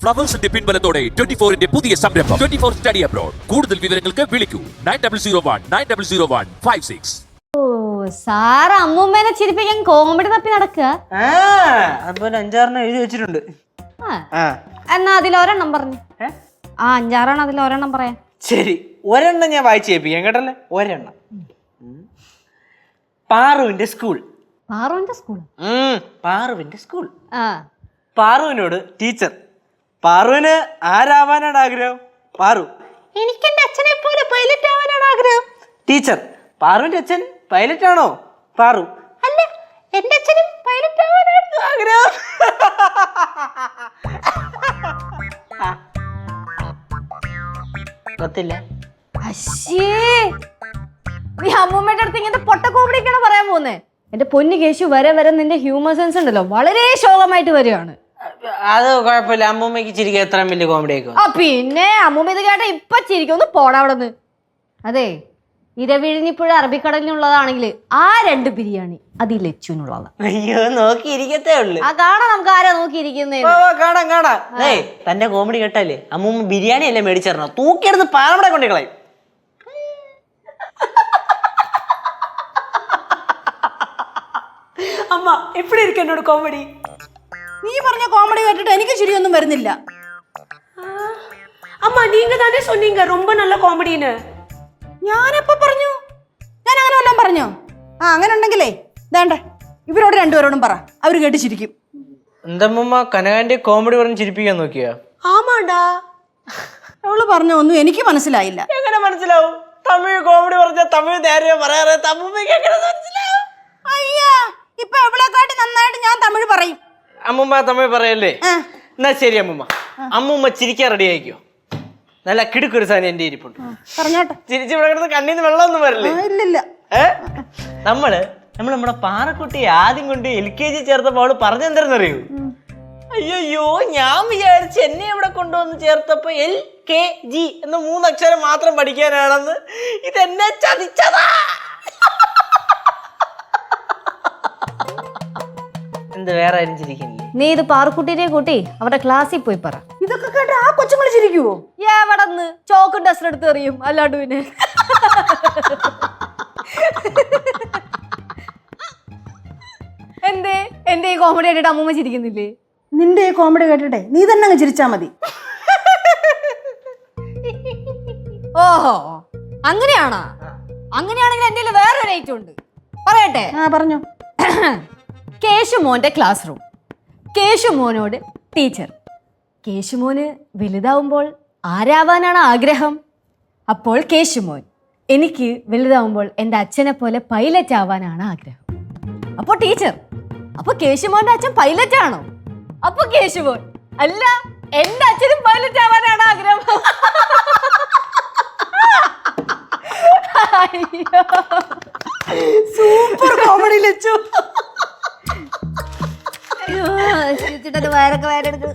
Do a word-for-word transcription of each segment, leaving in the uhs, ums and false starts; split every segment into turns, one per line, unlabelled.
ഫ്ലവേഴ്സിന്റെ പിൻബലത്തോടെ twenty ഫോറിന്റെ പുതിയ സംരംഭം ട്വന്റി ഫോർ സ്റ്റഡി അബ്രോഡ്. കൂടുതൽ വിവരങ്ങൾക്ക് വിളിക്കൂ nine double zero one nine double zero one five six.
ഓ സാറ് അമ്മൂമ്മേനെ ചിരിപ്പിക്കാൻ കോമഡി തപ്പി നടക്കുക.
അതുപോലെ അഞ്ചാറെണ്ണം എഴുതി വെച്ചിട്ടുണ്ട്.
എന്നാ അതിൽ ഒരെണ്ണം പറഞ്ഞു. ആ അഞ്ചാറാണ് അതിൽ ഒരെണ്ണം പറയാൻ.
ശരി, ഒരെണ്ണം ഞാൻ വായിച്ചു കേൾപ്പിക്കാം കേട്ടല്ലേ. ഒരെണ്ണം പാറുവിന്റെ സ്കൂൾ.
പാറുവിന്റെ സ്കൂൾ
പാറുവിന്റെ സ്കൂൾ.
ആ
പാറുവിനോട് ടീച്ചർ, പാറുവിന് ആരാവാനാണ് ആഗ്രഹം? പാറു, എനിക്ക് എന്റെ അച്ഛനെ പോലെ പൈലറ്റ് ആവാനാണ് ആഗ്രഹം. ടീച്ചർ, പാറുവിന്റെ അച്ഛൻ പൈലറ്റ് ആണോ? പാറു, അല്ല, എന്റെ അച്ഛനും പൈലറ്റ് ആവാനാണ് ആഗ്രഹം. ಗೊತ್ತಿಲ್ಲ.
അശ്ശേ, നീ അമ്മൂമ്മയുടെ അടുത്ത് ഇങ്ങനത്തെ പൊട്ട കോമഡിയൊക്കെയാണ് പറയാൻ പോകുന്നേ. എന്റെ പൊന്നു കേശു, വരെ വരെ നിന്റെ ഹ്യൂമർ സെൻസ് ഉണ്ടല്ലോ വളരെ ശോകമായിട്ട് വരികയാണ്.
അത് കുഴപ്പമില്ല, അമ്മൂമ്മക്ക് ചിരിക്കാൻ എത്ര വലിയ കോമഡി ആയിരിക്കും.
ആ പിന്നെ അമ്മൂമ്മ ഇത് കേട്ട ഇപ്പൊ ചിരിക്കും. ഒന്ന് പോടാ അവിടെ നിന്ന്. അതെ, ഇരവിഴിഞ്ഞിപ്പുഴ അറബിക്കടലിനുള്ളതാണെങ്കിൽ ആ രണ്ട് ബിരിയാണി അത് ഈ ലച്ചുവിനുള്ളതാണ്.
അയ്യോ, നോക്കിയിരിക്കത്തേ ഉള്ളു.
ആ കാണാം, നമുക്ക് ആരാ നോക്കിയിരിക്കുന്നേ.
കാണാം കാണാം. ഏയ്, തന്റെ കോമഡി കേട്ടല്ലേ അമ്മൂമ്മ ബിരിയാണി അല്ലേ മേടിച്ചിരണോ? തൂക്കിയെടുത്ത് പാലവിടെ കൊണ്ടു കളയും.
അമ്മ എപ്പടി ഇരിക്കും എന്നോട് കോമഡി?
നീ പറഞ്ഞ കോമഡി കേട്ടിട്ട് എനിക്ക് ചിരിയൊന്നും വരുന്നില്ല.
അമ്മ നീങ്ക തന്നെ சொன்னீங்க ரொம்ப நல்ல കോമഡിന്.
ഞാനെപ്പോ പറഞ്ഞു? ഞാൻ അങ്ങനെ വല്ലതും പറഞ്ഞോ? ആ അങ്ങനെ ഉണ്ടെങ്കിലേ വേണ്ടേ ഇവരോട് രണ്ടുപേരോടും പറ, അവര് കേട്ട് ചിരിക്കും.
എന്തമ്മ കനകാന്റെ കോമഡി പറഞ്ഞ് ചിരിപ്പിക്കാൻ നോക്കിയാ?
ആമാണ്ടാ,
അവള് പറഞ്ഞ ഒന്നും എനിക്ക് മനസ്സിലായില്ല.
എങ്ങനെ മനസ്സിലാവും? തമിഴ് കോമഡി പറഞ്ഞ തമിഴ് നേരെ പറയാറ് അമ്മൂമ്മക്ക് എങ്ങനെ മനസ്സിലാവും?
അയ്യാ, ഇപ്പൊ എവളെക്കാട്ടി നന്നായിട്ട് ഞാൻ തമിഴ് പറയും.
അമ്മൂമ്മ തമിഴ് പറയല്ലേ? എന്നാ ശരി അമ്മൂമ്മ, അമ്മൂമ്മ ചിരിക്കാൻ റെഡി ആയിക്കോ. നല്ല കിടുക്കൊരു സാധനം എന്റെ ഇരിപ്പുണ്ട്.
പറഞ്ഞോട്ടെ.
ചിരിച്ച് ഇവിടെ കിടന്ന് കണ്ണീന്ന് വെള്ളമൊന്നും വരില്ലേ?
ഇല്ലില്ല.
ഏ നമ്മള് നമ്മൾ നമ്മുടെ പാറക്കുട്ടി ആദ്യം കൊണ്ട് എൽ കെ ജി ചേർത്തപ്പോ അവള് പറഞ്ഞെന്തരെന്നറിയൂ? അയ്യോ, ഞാൻ വിചാരിച്ച് എന്നെ ഇവിടെ കൊണ്ടുവന്ന് ചേർത്തപ്പോ എൽ കെ ജി എന്ന മൂന്നക്ഷരം മാത്രം പഠിക്കാനാണെന്ന്. ഇതെന്നെ ചതിച്ചതാ. എന്ത് വേറെ ആരും ചിരിക്കില്ലേ?
നീ ഇത് പാറുക്കുട്ടിനെ കൂട്ടി അവരുടെ ക്ലാസ്സിൽ പോയി പറ.
ഇതൊക്കെ കേട്ട് ആ കൊച്ചുങ്ങൾ ചിരിക്കുവോ?
എവിടെന്ന് ചോക്കും ഡസ്റ്റർ എടുത്ത് എറിയും അല്ലാണ്ട് പിന്നെ. എന്തേ എന്റെ ഈ കോമഡി ആയിട്ട് അമ്മൂമ്മ ചിരിക്കുന്നില്ലേ?
നിന്റെ ഈ കോമഡി കേട്ടിട്ടെ നീ തന്നെ അങ്ങ് ചിരിച്ചാ മതി.
ഓഹോ, അങ്ങനെയാണോ? അങ്ങനെയാണെങ്കിൽ എന്റെ വേറൊരു ഐറ്റം ഉണ്ട്, പറയട്ടെ?
ആ പറഞ്ഞു.
കേശുമോന്റെ ക്ലാസ് റൂം. കേശുമോനോട് ടീച്ചർ, കേശുമോന് വലുതാവുമ്പോൾ ആരാവാനാണ് ആഗ്രഹം? അപ്പോൾ കേശുമോൻ, എനിക്ക് വലുതാവുമ്പോൾ എൻ്റെ അച്ഛനെ പോലെ പൈലറ്റ് ആവാനാണ് ആഗ്രഹം. അപ്പോൾ ടീച്ചർ, അപ്പൊ കേശുമോന്റെ അച്ഛൻ പൈലറ്റ് ആണോ? അപ്പൊ കേശുമോൻ, അല്ല, എൻ്റെ അച്ഛനും പൈലറ്റ് ആവാനാണ് ആഗ്രഹം.
Super comedy Lachu.
ചിരിച്ചിട്ട് വയറൊക്കെ വയറെടുത്ത്.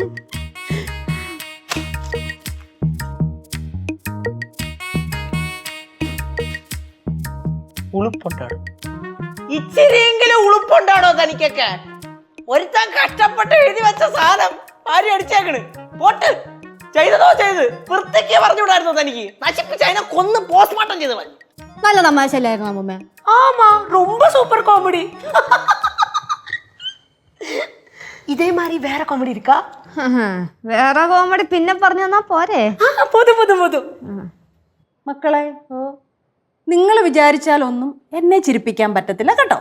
ഉളുപ്പുണ്ടാടോ? ഇച്ചിരിയെങ്കിലും ഉളുപ്പുണ്ടാടോ തനിക്കൊക്കെ? ഒരുത്താൻ കഷ്ടപ്പെട്ട് എഴുതി വെച്ച സാധനം ആരും അടിച്ചേക്കണ്. പോട്ട് ചെയ്തതോ ചെയ്ത് വൃത്തിക്ക് പറഞ്ഞുവിടായിരുന്നോ തനിക്ക്? നശിപ്പിച്ച് അതിനെ കൊന്ന് പോസ്റ്റ്മോർട്ടം ചെയ്ത് പറഞ്ഞു.
നല്ല തമാശ അല്ലായിരുന്നു അമ്മൂമ്മ?
ஆமா, ரொம்ப சூப்பர் காமெடி. இதே மாதிரி வேற காமெடி இருக்கா?
വേറെ കോമഡി പിന്നെ പറഞ്ഞു തന്നാ പോരെ?
പോതും പോതും പോതും.
മക്കളെ, നിങ്ങൾ വിചാരിച്ചാലൊന്നും എന്നെ ചിരിപ്പിക്കാൻ പറ്റത്തില്ല കേട്ടോ.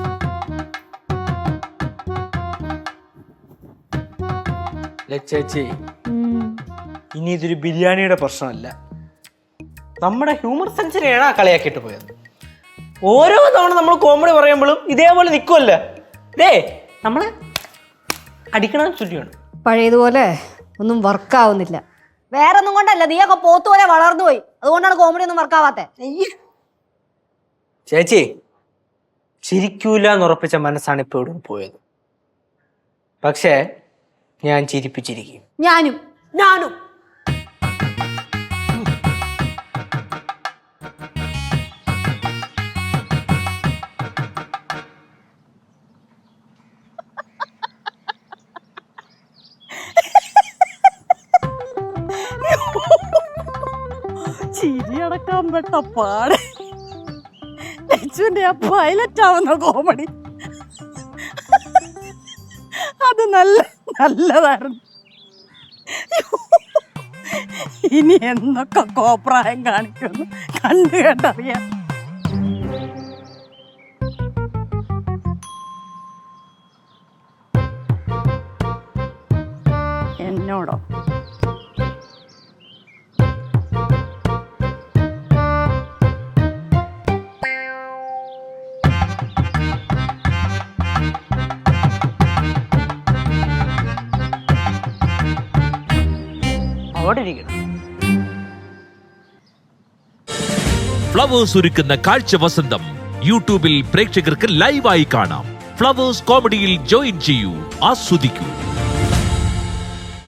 ചേച്ചി, ഇനി ഇതൊരു ബിരിയാണിയുടെ പ്രശ്നമല്ല, നമ്മുടെ ഹ്യൂമർ സെൻസിനെയാണ് ആ കളിയാക്കിയിട്ട് പോയത്. ഓരോ തവണ നമ്മൾ കോമഡി പറയുമ്പോഴും ഇതേപോലെ നിൽക്കുമല്ല. ദേ നമ്മളെ അടിക്കണം ചുറ്റിയാണ്.
പഴയതുപോലെ ഒന്നും വർക്കാവുന്നില്ല. വേറെ ഒന്നും കൊണ്ടല്ല, നീയൊക്കെ പോത്തുപോലെ വളർന്നു പോയി, അതുകൊണ്ടാണ് കോമഡി ഒന്നും വർക്കാവാത്തെ.
ചേച്ചി, ചിരിക്കൂല എന്നുറപ്പിച്ച മനസ്സാണ് ഇപ്പൊ ഇവിടെ പോയത്. പക്ഷേ ഞാൻ ചിരിപ്പിച്ചിരിക്കും.
ഞാനും
ഞാനും.
അടക്കാൻ പെട്ട പാട് ലച്ചുവിന്റെ ആ പൈലറ്റ് ആവുന്ന കോമഡി അത് നല്ല നല്ലതായിരുന്നു. ഇനി എന്നൊക്കെ കോപ്രായം കാണിക്കുന്നു കണ്ടു കേട്ടറിയാം. എന്നോടോ?
അവിടെ ഇരിക്കണം.
ഫ്ലവേഴ്സ് ഒരുക്കുന്ന കാഴ്ച വസന്തം യൂട്യൂബിൽ പ്രേക്ഷകർക്ക് ലൈവായി കാണാം. ഫ്ലവേഴ്സ് കോമഡിയിൽ ജോയിൻ ചെയ്യൂ, ആസ്വദിക്കൂ.